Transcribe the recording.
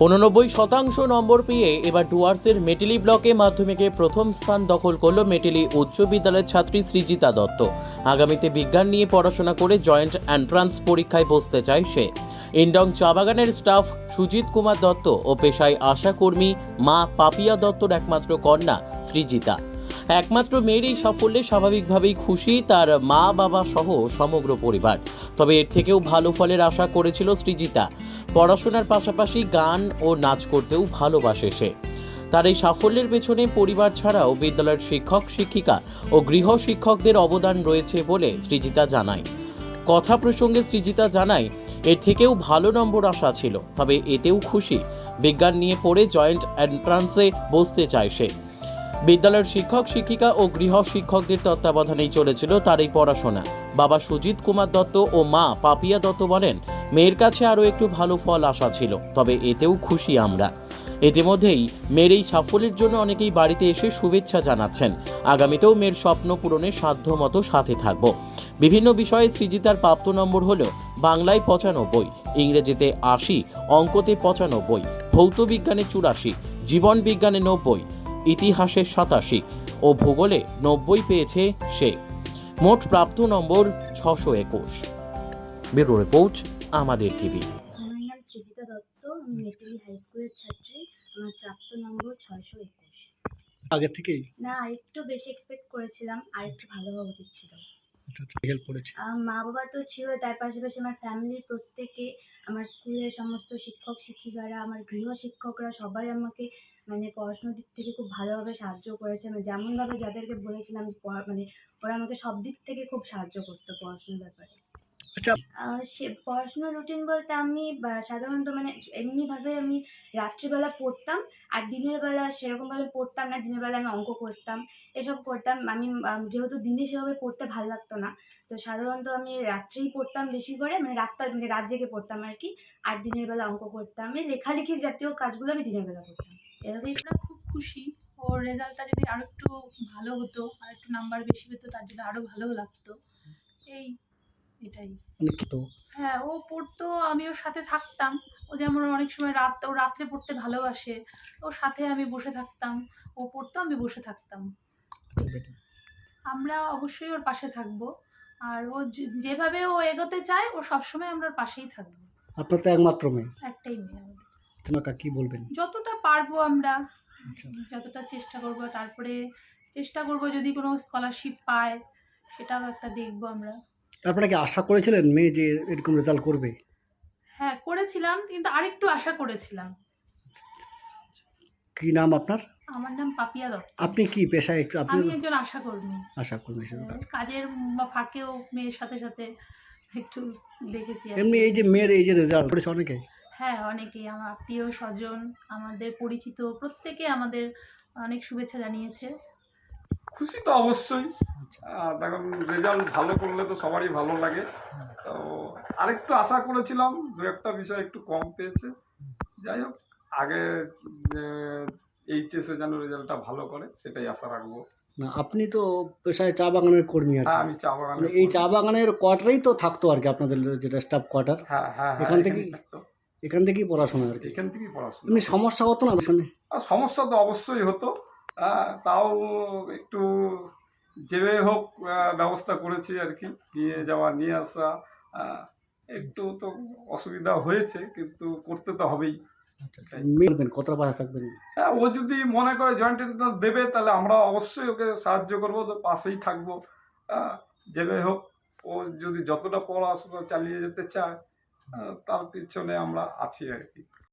89% নম্বর পেয়ে এবার ডুয়ার্সের মেটেলি ব্লকে মাধ্যমিকে প্রথম স্থান দখল করল মেটেলি উচ্চ বিদ্যালয়ের ছাত্রী সৃজিতা দত্ত। আগামীতে বিজ্ঞান নিয়ে পড়াশোনা করে জয়েন্ট এন্ট্রান্স পরীক্ষায় বসতে চায় সে। ইন্ডং চা বাগানের স্টাফ সুজিত কুমার দত্ত ও পেশায় আশাকর্মী মা পাপিয়া দত্তর একমাত্র কন্যা সৃজিতা। একমাত্র মেয়ের এই সাফল্যে স্বাভাবিকভাবেই খুশি তার মা বাবা সহ সমগ্র পরিবার। তবে এর থেকেও ভালো ফলের আশা করেছিল সৃজিতা। পড়াশোনার পাশাপাশি গান ও নাচ করতেও ভালোবাসে সে। তার এই সাফল্যের পেছনে পরিবার ছাড়াও বিদ্যালয়ের শিক্ষক শিক্ষিকা ও গৃহ শিক্ষকদের অবদান রয়েছে বলে সৃজিতা জানায়। কথা প্রসঙ্গে সৃজিতা জানায়, এর থেকেও ভালো নম্বর আশা ছিল, তবে এতেও খুশি। বিজ্ঞান নিয়ে পড়ে জয়েন্ট এন্ট্রান্সে বসতে চায় সে। বিদ্যালয়ের শিক্ষক শিক্ষিকা ও গৃহ শিক্ষকদের তত্ত্বাবধানেই চলেছিল তার এই পড়াশোনা। বাবা সুজিত কুমার দত্ত ও মা পাপিয়া দত্ত বলেন, মেয়ের কাছে আরও একটু ভালো ফল আশা ছিল, তবে এতেও খুশি আমরা। ইতিমধ্যেই মেয়ের এই সাফল্যের জন্য অনেকেই বাড়িতে এসে শুভেচ্ছা জানাচ্ছেন। আগামীতেও মেয়ের স্বপ্ন পূরণে সাধ্যমতো সাথে থাকব। বিভিন্ন বিষয়ে সৃজিতার প্রাপ্ত নম্বর হলো বাংলায় 95, ইংরেজিতে 80, অঙ্কতে 95, ভৌত বিজ্ঞানে 84, জীবন বিজ্ঞানে 90, ইতিহাসে 87 ও ভূগোলে 90 পেয়েছে সে। মোট প্রাপ্ত নম্বর 621। ব্যুরো রিপোর্ট, আমাদের টিভি। আমার নাম সৃজিতা দত্ত, আমি মেটেলি হাই স্কুলের ছাত্রী। আমার প্রাপ্ত নম্বর 621। আগে থেকেই না, আরেকটু বেশি এক্সপেক্ট করেছিলাম, আরেকটু ভালো হওয়া উচিত ছিল। হেল্প করেছে। মা বাবা তো ছিল, তার পাশাপাশি আমার ফ্যামিলির প্রত্যেকে, আমার স্কুলের সমস্ত শিক্ষক শিক্ষিকারা, আমার গৃহ শিক্ষকরা সবাই আমাকে পড়াশোনার দিক থেকে খুব ভালোভাবে সাহায্য করেছে। আমি যেমনভাবে যাদেরকে বলেছিলাম যে ওরা আমাকে সব দিক থেকে খুব সাহায্য করতো পড়াশোনার ব্যাপারে। আচ্ছা, সে পড়াশোনার রুটিন বলতে আমি সাধারণত এমনিভাবে আমি রাত্রিবেলা পড়তাম, আর দিনের বেলা সেরকমভাবে পড়তাম না। দিনের বেলা আমি অঙ্ক করতাম, এসব করতাম। আমি যেহেতু দিনে সেভাবে পড়তে ভালো লাগতো না, তো সাধারণত আমি রাত্রেই পড়তাম বেশি করে, রাত জেগে পড়তাম আর কি। আর দিনের বেলা অঙ্ক করতাম, এই লেখালেখি জাতীয় কাজগুলো আমি দিনের বেলা করতাম। এভাবেই আমরা খুব খুশি। ওর রেজাল্টটা যদি আরো একটু ভালো হতো, আর একটু নাম্বার বেশি পেতো, তার জন্য আরো ভালো লাগতো। এটাই। তো হ্যাঁ, ও পড়তো, আমি ওর সাথে থাকতাম। ও যেমন অনেক সময় ও রাত্রে পড়তে ভালোবাসে, ওর সাথে আমি বসে থাকতাম। ও পড়তো, আমি বসে থাকতাম। আমরা অবশ্যই ওর পাশে থাকবো। আর ও যেভাবে ও এগোতে চায়, ও সবসময় আমরা ওর পাশেই থাকবো। আপনার তো একমাত্র মেয়ে, একটাই মেয়ে আমাদের। তোমাকে কি বলবেন? যতটা পারবো আমরা, আচ্ছা, যতটা চেষ্টা করব। তারপরে চেষ্টা করব যদি কোনো স্কলারশিপ পায়, সেটাও একটা দেখবো আমরা। আপনারা কি আশা করেছিলেন মেয়ে যে এরকম রেজাল্ট করবে? হ্যাঁ, করেছিলাম, কিন্তু আরেকটু আশা করেছিলাম। কি নাম আপনার? আমার নাম পাপিয়া দত্ত। আপনি কি পেশায় একটু আপনি? আমি একজন আশাকর্মী। আশা করবেন সেটা। কাজের ফাঁকেও মেয়ের সাথে সাথে একটু দেখেছি আর কি। এমনি এই যে মেয়ের এই যে রেজাল্ট করেছে অনেকে। হ্যাঁ, অনেকেই, আমার আত্মীয় স্বজন, আমাদের পরিচিত প্রত্যেকে আমাদের অনেক শুভেচ্ছা জানিয়েছে। খুশি তো অবশ্যই। দেখুন, রেজাল্ট ভালো করলে তো সবারই ভালো লাগে। তো আরেকটু আশা করেছিলাম, দু একটা বিষয় একটু কম পেয়েছে। যাই হোক, আগে এইচএসে যেন রেজাল্টটা ভালো করে, সেটাই আশা রাখবো। না, আপনি তো পেশায় চা বাগানের কর্মী আর হ্যাঁ, কি। আমি চা বাগানে এই চা বাগানের কোয়ার্টারেই তো থাকতো আর কি, আপনাদের যেটা স্টাফ কোয়ার্টার। হ্যাঁ হ্যাঁ, এখান থেকেই থাকতো। এখান থেকেই পড়াশোনা আর কি। এখান থেকেই পড়াশোনা। এমনি সমস্যা হতো না শুনে? আর সমস্যা তো অবশ্যই হতো, তাও একটু যেভাবে হোক ব্যবস্থা করেছি আর কি। নিয়ে যাওয়া নিয়ে আসা একটু তো অসুবিধা হয়েছে, কিন্তু করতে তো হবেই। মেয়ে কতটা পাশে থাকবেন? হ্যাঁ, ও যদি মনে করে জয়েন্ট এন্ট্রান্স দেবে, তাহলে আমরা অবশ্যই ওকে সাহায্য করবো, তো পাশেই থাকবো। যেভাবে হোক ও যদি যতটা পড়াশোনা চালিয়ে যেতে চায়, তার পিছনে আমরা আছি আর কি।